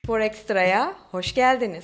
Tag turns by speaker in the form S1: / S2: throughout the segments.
S1: Spor Ekstra'ya hoş geldiniz.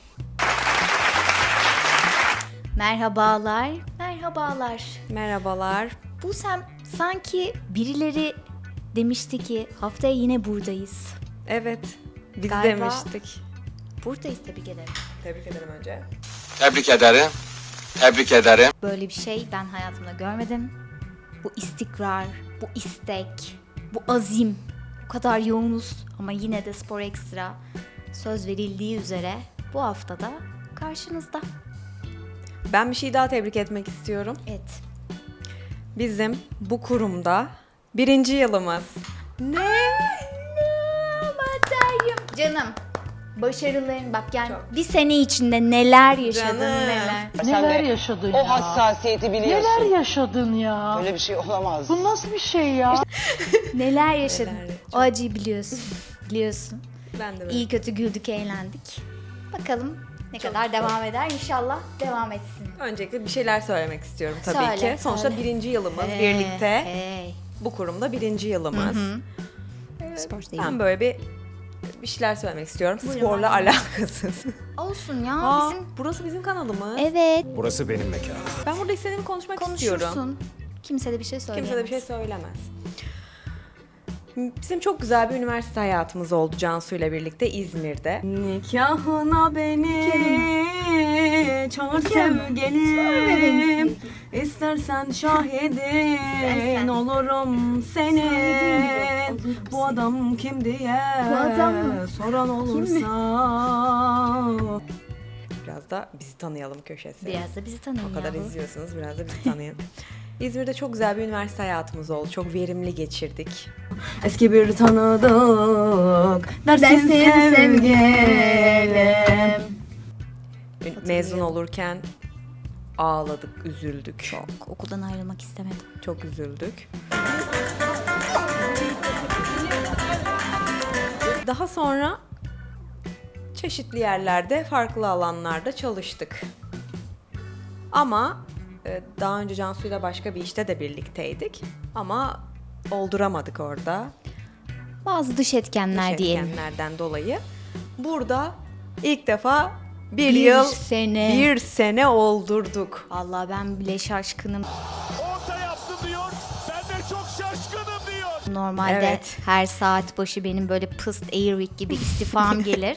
S2: Merhabalar, merhabalar.
S1: Merhabalar.
S2: Busem, sanki birileri demişti ki haftaya yine buradayız.
S1: Evet, biz
S2: Galiba-
S1: demiştik.
S2: Buradayız, tebrik ederim.
S1: Tebrik ederim önce.
S3: Tebrik ederim. Tebrik ederim.
S2: Böyle bir şey ben hayatımda görmedim. Bu istikrar, bu istek, bu azim. Bu kadar yoğunuz ama yine de Spor Ekstra söz verildiği üzere bu haftada karşınızda.
S1: Ben bir şey daha tebrik etmek istiyorum.
S2: Evet.
S1: Bizim bu kurumda 1. yılımız.
S2: Ne? Canım, başarıların bak yani bir sene içinde neler yaşadın
S1: Canım.
S2: neler.
S4: Neler yaşadın
S5: O
S4: ya?
S5: hassasiyeti biliyorsun.
S4: Neler yaşadın ya?
S5: Böyle bir şey olamaz.
S4: Bu nasıl bir şey ya?
S2: Neler yaşadın.
S1: Neler,
S2: O acıyı biliyorsun. Biliyorsun.
S1: Ben de böyle.
S2: İyi kötü güldük, eğlendik. Bakalım ne kadar devam eder. İnşallah devam etsin.
S1: Öncelikle bir şeyler söylemek istiyorum tabii
S2: Söyle,
S1: ki. Sonuçta
S2: söyle.
S1: 1. yılımız birlikte.
S2: Hey.
S1: Bu kurumda 1. yılımız.
S2: Spor
S1: Ben böyle bir şeyler söylemek istiyorum.
S2: Buyurun,
S1: Sporla
S2: buyurun.
S1: alakasız.
S2: Olsun ya
S1: Aa,
S2: bizim.
S1: burası bizim kanalımız.
S2: Evet.
S6: Burası benim mekanım.
S1: Ben burada istediğimi konuşmak istiyorum.
S2: Konuşursun. Kimse de bir şey söyleyemez.
S1: Kimse de bir şey söylemez. Bizim çok güzel bir üniversite hayatımız oldu Cansu ile birlikte İzmir'de. Nikahına beni çağır sevgilim, İstersen şahidin olurum senin. Bu adam kim diye soran olursa. Biraz da bizi tanıyalım köşesi.
S2: Biraz da bizi tanıyın
S1: O kadar
S2: yahu.
S1: izliyorsunuz, biraz da bizi tanıyın. İzmir'de çok güzel bir üniversite hayatımız oldu. Çok verimli geçirdik. Eski bir tanıdık dersin sevgilim. Mezun olurken ağladık, üzüldük. Çok.
S2: Okuldan ayrılmak istemedim.
S1: Çok üzüldük. Daha sonra çeşitli yerlerde, farklı alanlarda çalıştık. Ama daha önce Cansu'yla başka bir işte de birlikteydik. Ama olduramadık orada.
S2: Bazı dış etkenler diyelim.
S1: Etkenlerden dolayı. Burada ilk defa
S2: Bir
S1: bir sene oldurduk.
S2: Vallahi ben bile şaşkınım.
S6: Orta yaptı diyor. Ben de çok şaşkınım diyor.
S2: Normalde
S1: Evet.
S2: her saat başı benim böyle pıst Airwick gibi istifam gelir.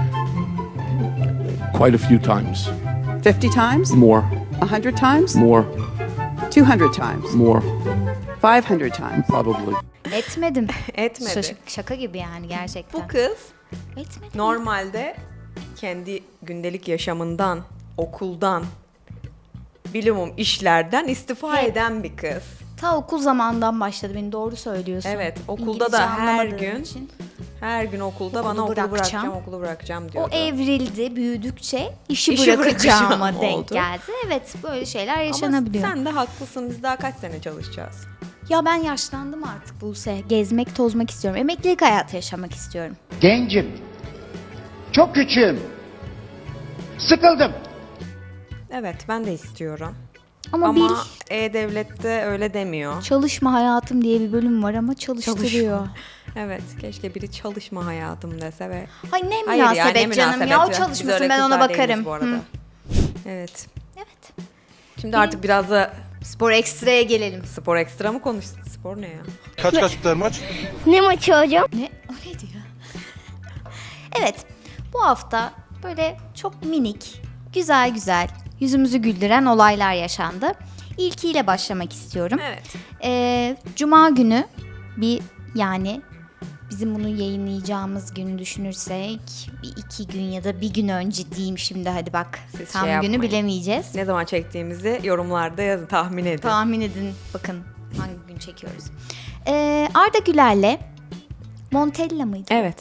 S7: Quite a few times.
S8: 50 times?
S7: More.
S8: 100 times?
S7: More.
S8: 200 times?
S7: More.
S8: 500 times?
S7: Probably.
S2: Etmedim.
S1: Etmedi.
S2: Şaka gibi yani gerçekten.
S1: Bu kız
S2: Etmedim.
S1: normalde kendi gündelik yaşamından, okuldan, bilimum işlerden istifa
S2: Hep.
S1: eden bir kız.
S2: Ta okul zamandan başladı, beni doğru söylüyorsun.
S1: Evet, okulda
S2: İngilizce
S1: da her
S2: anlamadığım
S1: gün
S2: için.
S1: Her gün okulda bana okulu
S2: bırakacağım.
S1: bırakacağım
S2: O
S1: diyordu.
S2: evrildi, büyüdükçe işi
S1: İşi
S2: bırakacağıma
S1: bırakacağım
S2: denk
S1: oldu.
S2: geldi. Evet, böyle şeyler
S1: Ama
S2: yaşanabiliyor.
S1: sen de haklısın. Biz daha kaç sene çalışacağız?
S2: Ya ben yaşlandım artık Buse. Gezmek, tozmak istiyorum. Emeklilik hayatı yaşamak istiyorum.
S9: Gencim. Çok küçüğüm. Sıkıldım.
S1: Evet, ben de istiyorum.
S2: Ama
S1: Ama
S2: bil,
S1: E-Devlet'te öyle demiyor.
S2: çalışma hayatım diye bir bölüm var ama çalıştırıyor.
S1: Evet, keşke biri çalışma hayatım dese ve...
S2: Ay ne
S1: Hayır ya,
S2: münasebet
S1: ne
S2: canım
S1: münasebet
S2: ya. O
S1: Biz
S2: çalışmasın,
S1: öyle
S2: ben ona
S1: kızlar değiliz
S2: bakarım.
S1: bu arada.
S2: Hı.
S1: Evet.
S2: Evet.
S1: Şimdi artık biraz da
S2: Spor Ekstra'ya gelelim.
S1: spor ekstra mı konuştuk? Spor ne ya?
S6: Kaç biter maç?
S2: Ne? O ne diyor? Evet. Bu hafta böyle çok minik, güzel güzel, yüzümüzü güldüren olaylar yaşandı. İlkiyle başlamak istiyorum.
S1: Evet.
S2: Cuma günü yani bizim bunu yayınlayacağımız günü düşünürsek bir 2 gün ya da bir gün önce diyeyim şimdi, hadi bak.
S1: Siz
S2: Tam
S1: şey
S2: günü
S1: yapmayın.
S2: bilemeyeceğiz.
S1: Ne zaman çektiğimizi yorumlarda yazın, tahmin edin.
S2: Tahmin edin bakın hangi gün çekiyoruz. Arda Güler'le Montella mıydı?
S1: Evet.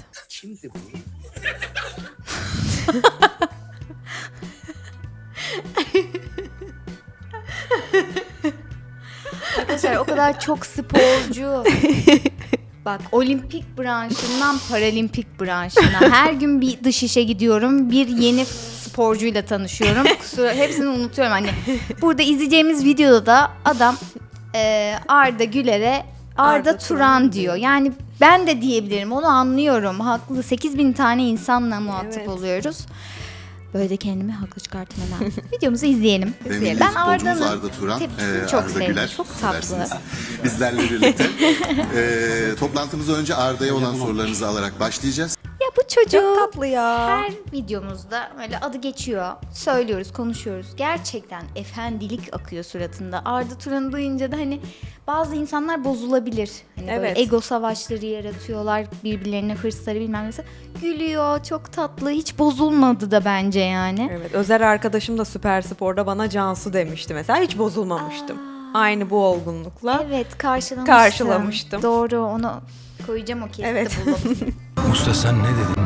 S2: Arkadaşlar o kadar çok sporcu. Bak, olimpik branşından paralimpik branşına her gün bir dış işe gidiyorum. Bir yeni sporcuyla tanışıyorum. Hepsini unutuyorum. Hani burada izleyeceğimiz videoda da adam Arda Güler'e Arda Turan diyor. Yani Ben de diyebilirim, onu anlıyorum. Haklı, 8.000 tane insanla muhatap
S1: Evet.
S2: oluyoruz. Böyle de kendimi haklı çıkartmadan. Videomuzu izleyelim.
S7: Ve milli
S2: Ben
S7: futbolcumuz
S2: Arda'nın
S7: Arda Turan,
S2: tepkisini çok
S7: Arda
S2: sevdim.
S7: Güler,
S2: Çok tatlı.
S7: seversiniz. Bizlerle birlikte. Toplantımıza önce Arda'ya olan sorularınızı alarak başlayacağız.
S2: Ya bu çocuk
S1: Çok tatlı ya.
S2: her videomuzda öyle adı geçiyor. Söylüyoruz, konuşuyoruz. Gerçekten efendilik akıyor suratında. Arda Turan'ı duyunca da hani bazı insanlar bozulabilir. Hani böyle
S1: Evet.
S2: ego savaşları yaratıyorlar. Birbirlerine hırsları bilmem neyse. Gülüyor, çok tatlı. Hiç bozulmadı da bence yani.
S1: Evet, Özer arkadaşım da Süper Spor'da bana Cansu demişti mesela. Hiç bozulmamıştım. Aynı bu olgunlukla.
S2: Evet,
S1: Karşılamıştım.
S2: Doğru, onu koyacağım o kesiti
S1: Evet.
S2: bulup.
S6: Usta sen ne dedin?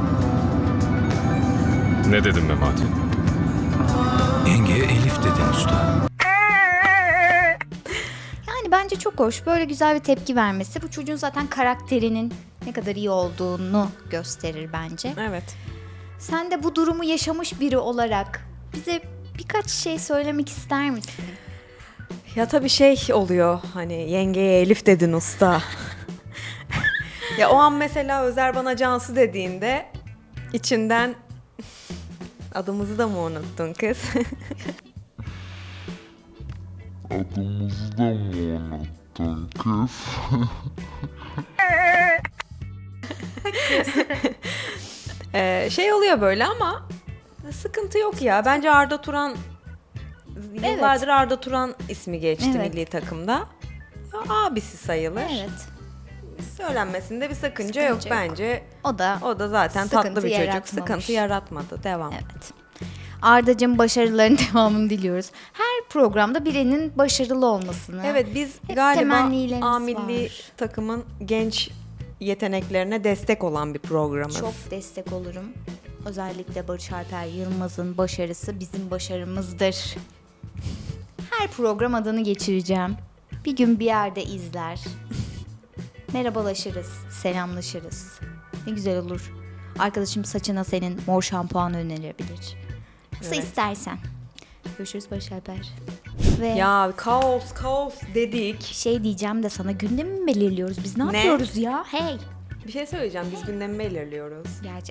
S6: Ne dedim Memati? Yengeye Elif dedin usta.
S2: Yani bence çok hoş. Böyle güzel bir tepki vermesi bu çocuğun zaten karakterinin ne kadar iyi olduğunu gösterir bence.
S1: Evet.
S2: Sen de bu durumu yaşamış biri olarak bize birkaç şey söylemek ister misin?
S1: Ya tabii şey oluyor hani yengeye Elif dedin usta. Ya o an mesela Özer bana Cansu dediğinde içinden adımızı da mı unuttun kız?
S10: Adımızı da mı unuttun kız?
S1: Şey oluyor böyle ama sıkıntı yok ya. Bence Arda Turan yıllardır Arda Turan ismi geçti
S2: Evet.
S1: milli takımda. Ya, abisi sayılır.
S2: Evet.
S1: Söylenmesinde bir sakınca
S2: Sıkıntı
S1: yok
S2: yok.
S1: bence.
S2: O da
S1: O da zaten
S2: sıkıntı
S1: tatlı bir çocuk.
S2: yaratmamış.
S1: Sıkıntı yaratmadı. Devam.
S2: evet. Arda'cığım başarıların devamını diliyoruz. Her programda birinin başarılı olmasını.
S1: Evet biz
S2: Hep
S1: galiba
S2: temennilerimiz
S1: A milli
S2: var.
S1: takımın genç yeteneklerine destek olan bir programız.
S2: Çok destek olurum. Özellikle Barış Alper Yılmaz'ın başarısı bizim başarımızdır. Her program adını geçireceğim. Bir gün bir yerde izler. Merhabalaşırız, selamlaşırız. Ne güzel olur. Arkadaşım saçına senin mor şampuan önerebilir. Nasıl
S1: Evet.
S2: istersen. Görüşürüz Barış Alper. Ve
S1: Ya kaos dedik.
S2: şey diyeceğim de sana gündemi mi belirliyoruz? Biz ne
S1: Ne?
S2: yapıyoruz ya? Hey.
S1: Bir şey söyleyeceğim. Biz gündemi belirliyoruz.
S2: Gerçek.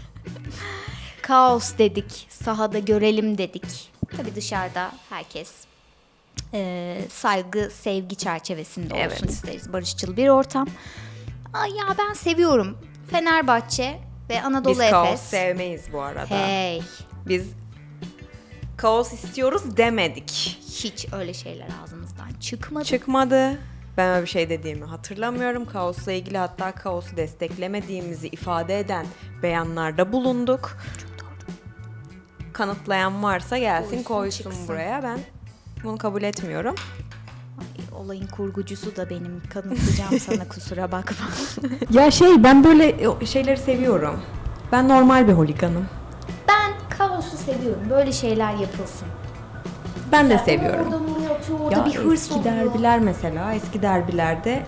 S2: Kaos dedik, sahada görelim dedik. Tabii dışarıda herkes saygı, sevgi çerçevesinde olsun
S1: Evet.
S2: isteriz. Barışçıl bir ortam. Ay ya ben seviyorum. Fenerbahçe ve Anadolu
S1: Biz
S2: Efes.
S1: kaos sevmeyiz bu arada.
S2: Hey,
S1: Biz kaos istiyoruz demedik.
S2: hiç öyle şeyler ağzımızdan çıkmadı.
S1: Çıkmadı. Ben öyle bir şey dediğimi hatırlamıyorum. Kaosla ilgili hatta kaosu desteklemediğimizi ifade eden beyanlarda bulunduk.
S2: Çok doğru.
S1: Kanıtlayan varsa gelsin koysun
S2: çıksın.
S1: buraya. Ben bunu kabul etmiyorum.
S2: Ay, olayın kurgucusu da benim. Kanıtlayacağım sana, kusura bakma.
S1: Ya ben böyle şeyleri seviyorum. Ben normal bir holiganım.
S2: Ben kaosu seviyorum. Böyle şeyler yapılsın.
S1: Ben de seviyorum.
S2: Orada vuruyor, atıyor, orada
S1: Ya
S2: bir hırs
S1: eski
S2: oluyor.
S1: derbiler mesela, eski derbilerde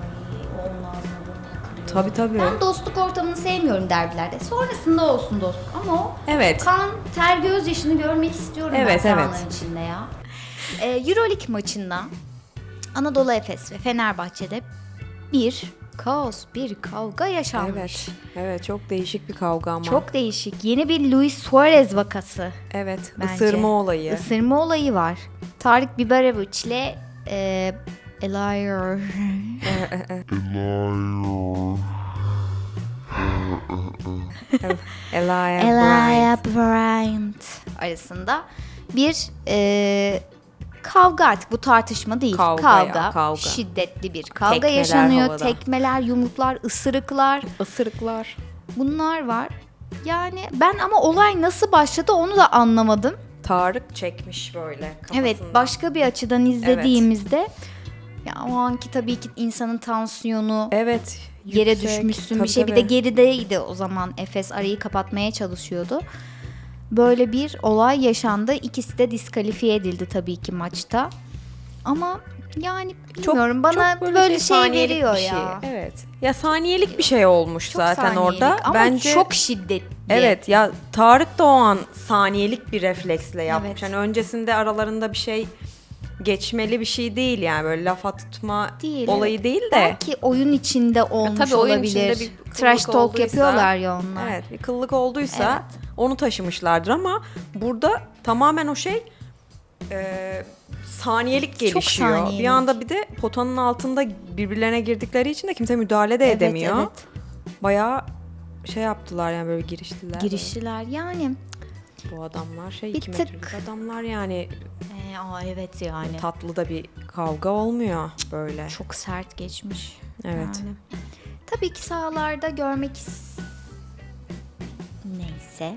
S1: tabii.
S2: Ben dostluk ortamını sevmiyorum derbilerde. Sonrasında olsun dostluk ama o
S1: Evet.
S2: kan, ter, gözyaşını görmek istiyorum
S1: Evet,
S2: ben sahaların
S1: evet.
S2: içinde ya. Euroleague maçında Anadolu Efes ve Fenerbahçe'de bir kaos, bir kavga yaşanmış.
S1: Evet çok değişik bir kavga ama.
S2: Çok değişik. Yeni bir Luis Suarez vakası.
S1: Evet,
S2: bence.
S1: ısırma olayı.
S2: Isırma olayı var. Tarık Biberovic ile Eliar Elia Bryant arasında bir kavga, artık bu tartışma değil.
S1: Kavga.
S2: Şiddetli bir kavga
S1: Tekmeler
S2: yaşanıyor.
S1: havada.
S2: Tekmeler, yumruklar, ısırıklar,
S1: Isırıklar.
S2: bunlar var. Yani ben ama olay nasıl başladı onu da anlamadım.
S1: Tarık çekmiş böyle kafasından.
S2: Evet, başka bir açıdan izlediğimizde ya o anki tabii ki insanın tansiyonu
S1: Evet.
S2: yere
S1: yüksek.
S2: düşmüşsün
S1: Tabii,
S2: bir şey. Bir de
S1: tabii.
S2: gerideydi o zaman. Efes arayı kapatmaya çalışıyordu. Böyle bir olay yaşandı. İkisi de diskalifiye edildi tabii ki maçta. Ama yani bilmiyorum, bana
S1: çok
S2: böyle şey
S1: saniyelik
S2: veriyor
S1: bir şey.
S2: ya.
S1: Evet. Ya saniyelik bir şey olmuş
S2: Çok
S1: zaten
S2: saniyelik
S1: orada.
S2: ama
S1: Bence
S2: çok şiddetli.
S1: evet ya Tarık da o an saniyelik bir refleksle yapmış.
S2: Evet.
S1: Hani öncesinde aralarında bir şey geçmeli bir şey değil yani, böyle lafa tutma
S2: Değil,
S1: olayı
S2: evet.
S1: değil de.
S2: Belki oyun içinde olmuş
S1: Tabii oyun
S2: olabilir.
S1: içinde bir kıllık
S2: Trash talk
S1: olduysa-
S2: yapıyorlar ya onlar.
S1: Evet, bir kıllık olduysa onu taşımışlardır ama burada tamamen o şey saniyelik gelişiyor.
S2: saniyelik.
S1: Bir anda bir de potanın altında birbirlerine girdikleri için de kimse müdahale de edemiyor.
S2: Evet.
S1: Bayağı şey yaptılar yani, böyle giriştiler.
S2: Giriştiler yani.
S1: Bu adamlar şey
S2: Bir
S1: 2
S2: tık-
S1: metrelik adamlar yani,
S2: Evet yani.
S1: tatlı da bir kavga olmuyor böyle.
S2: Çok sert geçmiş.
S1: Evet.
S2: Yani. Tabii ki sahalarda görmek neyse.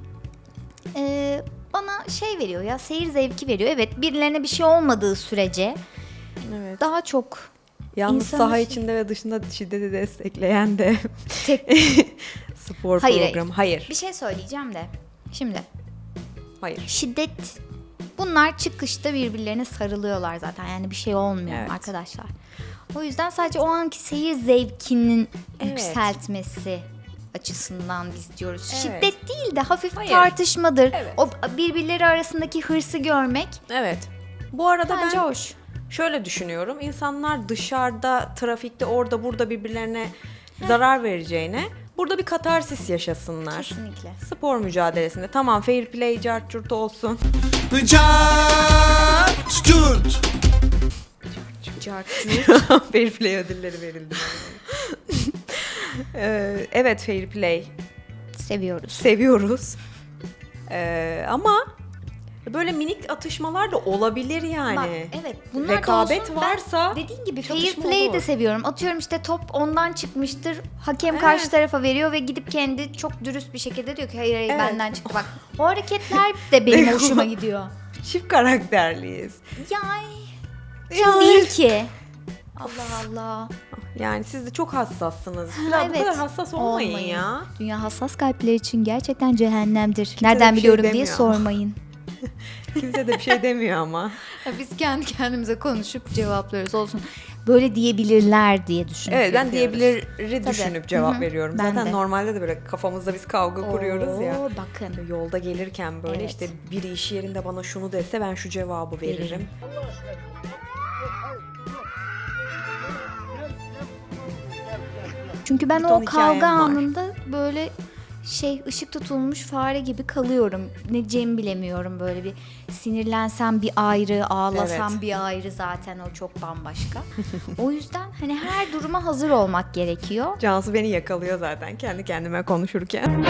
S2: Bana şey veriyor ya, seyir zevki veriyor. Evet, birilerine bir şey olmadığı sürece
S1: Evet.
S2: daha çok
S1: Yalnız
S2: İnsanı
S1: saha
S2: şey-
S1: içinde ve dışında şiddeti destekleyen de
S2: tek
S1: spor
S2: Hayır,
S1: programı. Hayır.
S2: bir şey söyleyeceğim de. Şimdi
S1: Hayır.
S2: şiddet, bunlar çıkışta birbirlerine sarılıyorlar zaten. Yani bir şey olmuyor
S1: Evet.
S2: arkadaşlar. O yüzden sadece o anki seyir zevkinin
S1: Evet.
S2: yükseltmesi açısından biz diyoruz.
S1: Evet.
S2: Şiddet değil de hafif
S1: Hayır.
S2: tartışmadır.
S1: Evet.
S2: O birbirleri arasındaki hırsı görmek
S1: Evet. Bu arada
S2: bence
S1: ben
S2: hoş.
S1: şöyle düşünüyorum. İnsanlar dışarıda, trafikte, orada burada birbirlerine zarar vereceğine burada bir katarsis yaşasınlar.
S2: Kesinlikle.
S1: Spor mücadelesinde. Tamam, fair play, cart curt olsun. Fair play ödülleri verildi. Evet, fair play
S2: Seviyoruz.
S1: seviyoruz. Ama böyle minik atışmalar da olabilir yani.
S2: Bak, evet, bunlar da
S1: rekabet
S2: olsun.
S1: varsa
S2: Ben dediğin gibi fair
S1: çatışma
S2: play'i
S1: olur.
S2: de seviyorum. Atıyorum işte top ondan çıkmıştır. Hakem
S1: Evet.
S2: karşı tarafa veriyor ve gidip kendi çok dürüst bir şekilde diyor ki hayır
S1: Evet.
S2: benden çıktı. Bak, o hareketler de benim hoşuma gidiyor.
S1: çift karakterliyiz.
S2: Yani değil ki. Allah Allah.
S1: Yani siz de çok hassassınız. Biraz bu
S2: Evet.
S1: kadar hassas olmayın, ya.
S2: Dünya hassas kalpler için gerçekten cehennemdir.
S1: de
S2: Nereden
S1: bir şey
S2: biliyorum diye
S1: demiyor ama.
S2: sormayın.
S1: Kimse de bir şey demiyor ama.
S2: Biz kendi kendimize konuşup cevaplıyoruz, olsun. Böyle diyebilirler diye düşünüp
S1: Evet, ben
S2: yapıyoruz.
S1: diyebiliri
S2: Tabii.
S1: düşünüp cevap
S2: Hı hı.
S1: veriyorum.
S2: Ben
S1: Zaten
S2: de.
S1: normalde de böyle kafamızda biz kavga kuruyoruz ya.
S2: Oo, bakın.
S1: Yolda gelirken böyle
S2: Evet.
S1: işte biri iş yerinde bana şunu dese ben şu cevabı veririm.
S2: Çünkü ben
S1: Bir
S2: o
S1: ton hikayem
S2: kavga
S1: var.
S2: anında böyle ışık tutulmuş fare gibi kalıyorum. Ne diyeceğimi bilemiyorum, böyle bir sinirlensem bir ayrı, ağlasam
S1: Evet.
S2: bir ayrı, zaten o çok bambaşka. O yüzden hani her duruma hazır olmak gerekiyor.
S1: Cansu beni yakalıyor zaten kendi kendime konuşurken.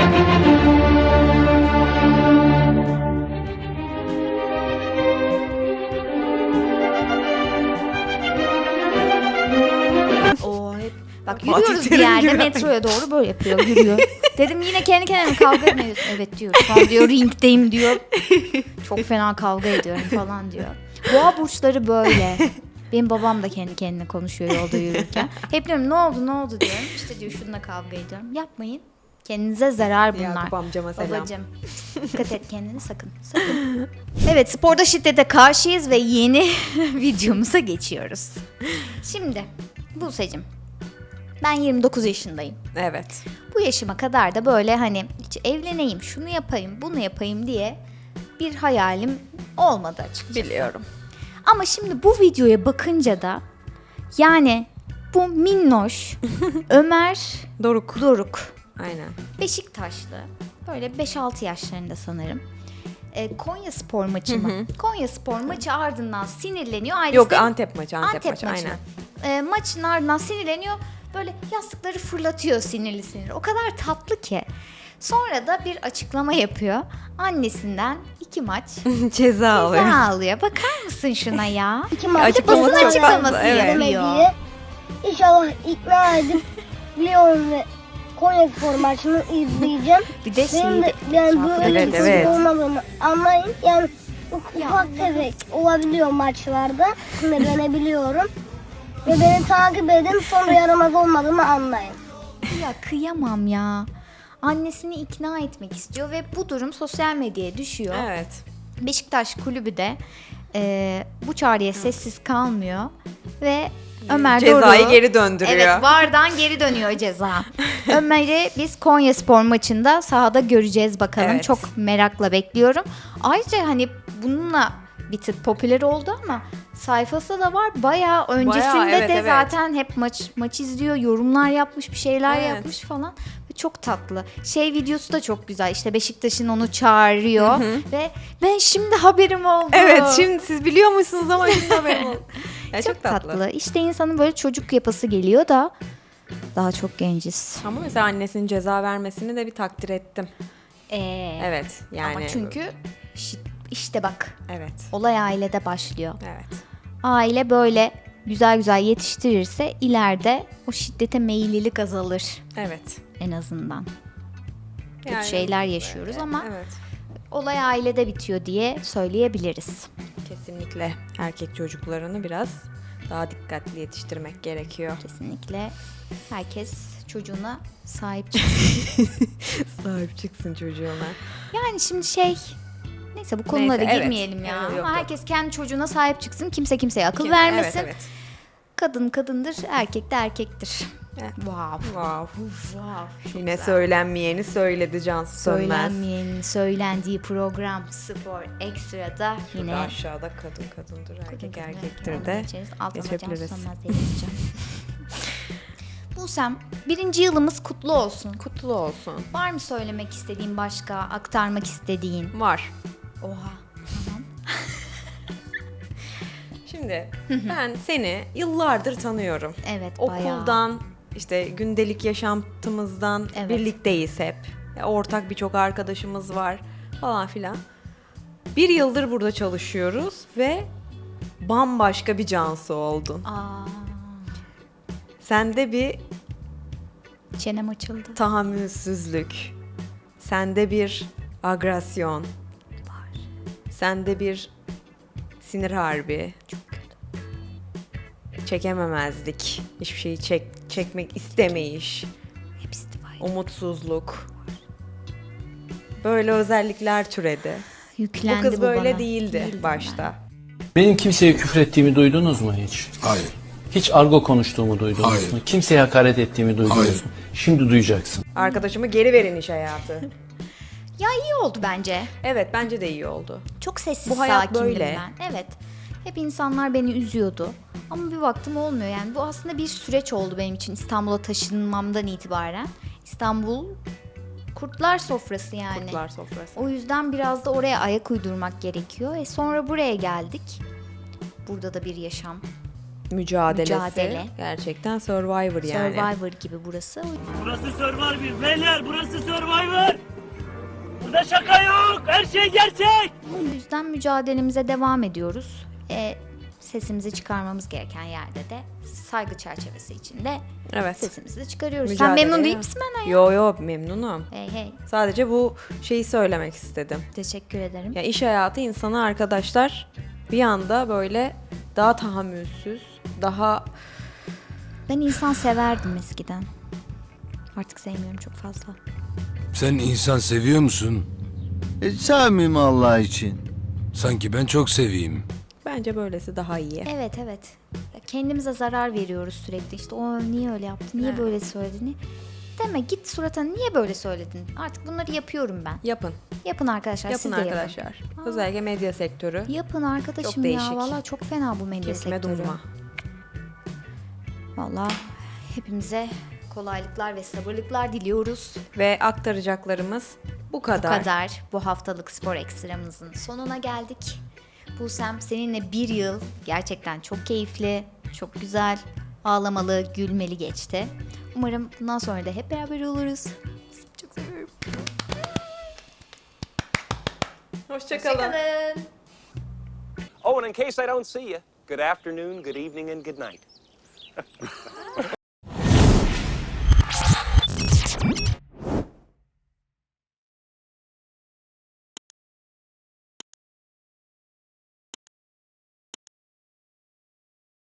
S2: O hep bak,
S1: Fatih
S2: yürüyoruz bir
S1: Terim
S2: yerde
S1: gibi.
S2: metroya doğru böyle yapıyor, yürüyor. Dedim yine kendi kendime kavga etmiyorsun. Evet diyor. Şu an diyor ringdeyim diyor. Çok fena kavga ediyorum falan diyor. Boğa burçları böyle. Benim babam da kendi kendine konuşuyor yolda yürürken. Hep diyorum ne oldu diyorum. İşte diyor şununla kavga ediyorum. Yapmayın. Kendinize zarar bunlar.
S1: Yakup amcama selam.
S2: Babacım, dikkat et kendine, sakın. Evet, sporda şiddete karşıyız ve yeni videomuza geçiyoruz. Şimdi Buse'cim, ben 29 yaşındayım.
S1: Evet.
S2: Bu yaşıma kadar da böyle hani hiç evleneyim, şunu yapayım, bunu yapayım diye bir hayalim olmadı açıkçası.
S1: Biliyorum.
S2: Ama şimdi bu videoya bakınca da yani bu minnoş Ömer
S1: Doruk. Aynen.
S2: Beşiktaşlı, böyle 5-6 yaşlarında sanırım. Konya Spor maçı mı? Konya Spor maçı ardından sinirleniyor. Ailesi
S1: Yok,
S2: de-
S1: Antep maçı.
S2: maçı.
S1: Aynen.
S2: Maçın ardından sinirleniyor. Böyle yastıkları fırlatıyor sinirli. O kadar tatlı ki. Sonra da bir açıklama yapıyor. Annesinden 2 maç
S1: Ceza alıyor.
S2: ceza alıyor. Bakar mısın şuna ya?
S1: Açıklaması
S2: Basın
S1: çok
S2: açıklaması
S1: fazla, evet.
S2: yapıyor.
S5: İnşallah ikna edip Lyon ve Konya Spor maçını izleyeceğim.
S2: Bir de
S5: Benim de
S2: şeyi
S5: yani böyle
S1: Evet,
S5: bir futbol
S1: evet.
S5: olmadığını anlayın. Yani ufak tefek olabiliyor maçlarda. Sinirlenebiliyorum. Ve beni takip edin, sonra yaramaz olmadığımı anlayın.
S2: Ya kıyamam ya. Annesini ikna etmek istiyor ve bu durum sosyal medyaya düşüyor.
S1: Evet.
S2: Beşiktaş kulübü de bu çağrıya sessiz kalmıyor ve Ömer
S1: Cezayı
S2: Doruk'u-
S1: geri döndürüyor.
S2: Evet, VAR'dan geri dönüyor ceza. Ömer'i biz Konya Spor maçında sahada göreceğiz bakalım.
S1: Evet.
S2: Çok merakla bekliyorum. Ayrıca hani bununla bir tık popüler oldu ama sayfası da var. Bayağı öncesinde
S1: evet,
S2: de
S1: evet.
S2: zaten hep maç izliyor, yorumlar yapmış, bir şeyler
S1: Evet.
S2: yapmış falan. Ve çok tatlı. Videosu da çok güzel. İşte Beşiktaş'ın onu çağırıyor ve ben şimdi haberim oldu.
S1: Evet, şimdi siz biliyor musunuz ama şimdi haberim oldu. Ya
S2: çok tatlı. İşte insanın böyle çocuk yapası geliyor da daha çok genciz.
S1: Ama mesela annesinin ceza vermesini de bir takdir ettim. Evet, yani.
S2: Ama çünkü işte bak,
S1: Evet,
S2: olay ailede başlıyor.
S1: evet.
S2: Aile böyle güzel güzel yetiştirirse ileride o şiddete meyillilik azalır
S1: Evet.
S2: en azından. Kötü
S1: Yani
S2: şeyler yaşıyoruz ama
S1: Evet.
S2: olay ailede bitiyor diye söyleyebiliriz.
S1: Kesinlikle erkek çocuklarını biraz daha dikkatli yetiştirmek gerekiyor.
S2: Kesinlikle herkes çocuğuna sahip çıksın.
S1: Sahip çıksın çocuğuna.
S2: Yani şimdi neyse bu konulara
S1: Neyse, evet.
S2: girmeyelim ya.
S1: Evet, yok,
S2: Ama
S1: yok.
S2: herkes kendi çocuğuna sahip çıksın. Kimse kimseye akıl vermesin.
S1: Evet, evet.
S2: Kadın kadındır, erkek de erkektir.
S1: Evet.
S2: Wow.
S1: Wow. Yine söylenmeyeni söyledi Cansu Sönmez.
S2: Söylenmeyenin söylendiği program Spor Ekstra'da
S1: Yine
S2: yine
S1: aşağıda kadındır, erkek erkektir
S2: Onu
S1: de
S2: geçeriz. Altına
S1: geçebiliriz.
S2: Cansu Sönmez diye yazacağım. Busem, 1. yılımız kutlu olsun.
S1: Kutlu olsun.
S2: Var mı söylemek istediğin başka, aktarmak istediğin?
S1: Var.
S2: Oha.
S1: Şimdi ben seni yıllardır tanıyorum.
S2: Evet, bayağı.
S1: Okuldan, işte gündelik yaşantımızdan
S2: Evet.
S1: birlikteyiz hep. Ya, ortak birçok arkadaşımız var falan filan. 1 yıldır burada çalışıyoruz ve bambaşka bir Cansu oldun.
S2: Aa,
S1: Sende bir
S2: çenem açıldı.
S1: tahammülsüzlük, sende bir agresyon var. Sende bir sinir harbi. Çok kötü. Çekememezlik, hiçbir şeyi çekmek istemeyiş,
S2: Hepsi var.
S1: umutsuzluk. Böyle özellikler türedi.
S2: Yüklendi
S1: Bu kız böyle
S2: bana.
S1: değildi
S2: Değildim
S1: başta.
S11: Benim kimseye küfür ettiğimi duydunuz mu hiç?
S10: Hayır.
S11: Hiç argo konuştuğumu duydunuz
S10: Hayır.
S11: mu? Kimseye hakaret ettiğimi duydunuz
S10: Hayır.
S11: mu? Şimdi duyacaksın.
S1: Arkadaşımı geri verin iş hayatı.
S2: Ya iyi oldu bence.
S1: Evet, bence de iyi oldu.
S2: Çok sessiz
S1: Bu hayat
S2: sakindim
S1: böyle.
S2: ben. Evet. Hep insanlar beni üzüyordu. Ama bir baktım olmuyor yani. Bu aslında bir süreç oldu benim için İstanbul'a taşınmamdan itibaren. İstanbul kurtlar sofrası yani.
S1: Kurtlar sofrası.
S2: O yüzden biraz da oraya ayak uydurmak gerekiyor. Sonra buraya geldik. Burada da bir yaşam.
S1: Mücadelesi.
S2: Mücadele.
S1: Gerçekten Survivor yani.
S2: Survivor gibi burası.
S12: Burası Survivor beyler, burası Survivor. Burada şaka yok, her şey gerçek.
S2: O yüzden mücadelemize devam ediyoruz. Sesimizi çıkarmamız gereken yerde de saygı çerçevesi içinde
S1: Evet.
S2: sesimizi de çıkarıyoruz.
S1: Mücadele.
S2: Sen memnun değil misin benden ya?
S1: Yo memnunum.
S2: Hey.
S1: Sadece bu şeyi söylemek istedim.
S2: Teşekkür ederim.
S1: Ya iş hayatı insanı arkadaşlar bir anda böyle daha tahammülsüz, daha
S2: Ben insan severdim eskiden. Artık sevmiyorum çok fazla.
S6: Sen insan seviyor musun?
S12: Sevmeyeyim Allah için.
S6: Sanki ben çok seveyim.
S1: bence böylesi daha iyi.
S2: Evet. Ya kendimize zarar veriyoruz sürekli. İşte o niye öyle yaptı, niye
S1: Evet.
S2: böyle söyledi? Deme git suratına niye böyle söyledin? Artık bunları yapıyorum ben.
S1: Yapın.
S2: Yapın arkadaşlar
S1: Yapın
S2: siz de
S1: arkadaşlar. Özellikle medya sektörü.
S2: Yapın arkadaşım
S1: Çok değişik.
S2: ya. Valla çok fena bu medya
S1: Kesme
S2: sektörü.
S1: durma.
S2: Valla hepimize kolaylıklar ve sabırlıklar diliyoruz.
S1: Ve aktaracaklarımız bu kadar.
S2: Bu kadar bu haftalık spor ekstramızın sonuna geldik. Busem seninle 1 yıl gerçekten çok keyifli, çok güzel, ağlamalı, gülmeli geçti. Umarım bundan sonra da hep beraber oluruz. Çok seviyorum.
S1: Hoşçakalın.
S12: Oh, and in case I don't see you, good afternoon, good evening, and good night.